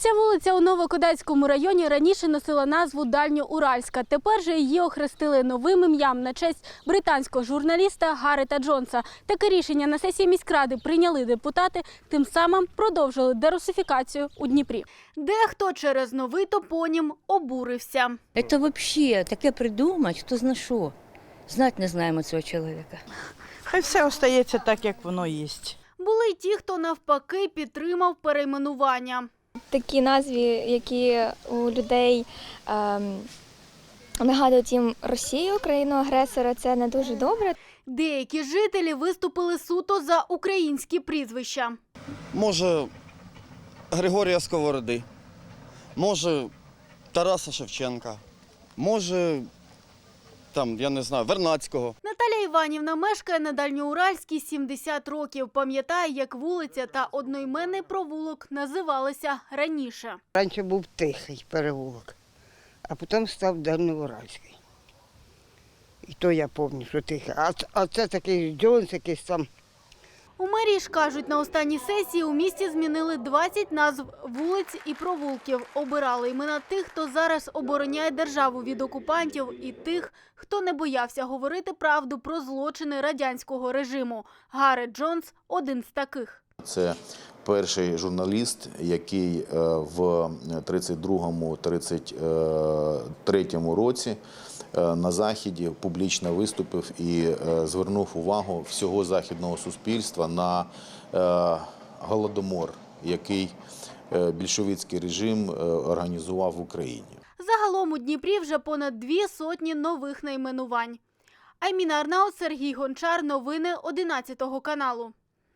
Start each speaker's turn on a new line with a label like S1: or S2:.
S1: Ця вулиця у Новокодацькому районі раніше носила назву Дальньоуральська. Тепер же її охрестили новим ім'ям на честь британського журналіста Гарета Джонса. Таке рішення на сесії міськради прийняли депутати, тим самим продовжили дерусифікацію у Дніпрі. Дехто через новий топонім обурився.
S2: Це взагалі таке придумати, хто зна що. Знати не знаємо цього чоловіка.
S3: Хай все остається так, як воно є.
S1: Були й ті, хто навпаки підтримав перейменування.
S4: Такі назви, які у людей нагадують їм Росію, країну-агресора, це не дуже добре.
S1: Деякі жителі виступили суто за українські прізвища.
S5: Може, Григорія Сковороди, може, Тараса Шевченка, може, там, я не знаю, Вернадського.
S1: Наталя Іванівна мешкає на Дальньоуральській 70 років. Пам'ятає, як вулиця та одноіменний провулок називалися раніше.
S6: Раніше був Тихий переулок, а потім став Дальньоуральський. І то я пам'ятаю, що Тихий. А це такий Джонс якийсь там.
S1: У мерії ж кажуть, на останній сесії у місті змінили 20 назв вулиць і провулків. Обирали імена тих, хто зараз обороняє державу від окупантів, і тих, хто не боявся говорити правду про злочини радянського режиму. Гарет Джонс – один з таких.
S7: Це перший журналіст, який в 32-33 році на Заході публічно виступив і звернув увагу всього західного суспільства на голодомор, який більшовицький режим організував в Україні.
S1: Загалом у Дніпрі вже понад 200 нових найменувань. Айміна Арнаут, Сергій Гончар. Новини 11 каналу.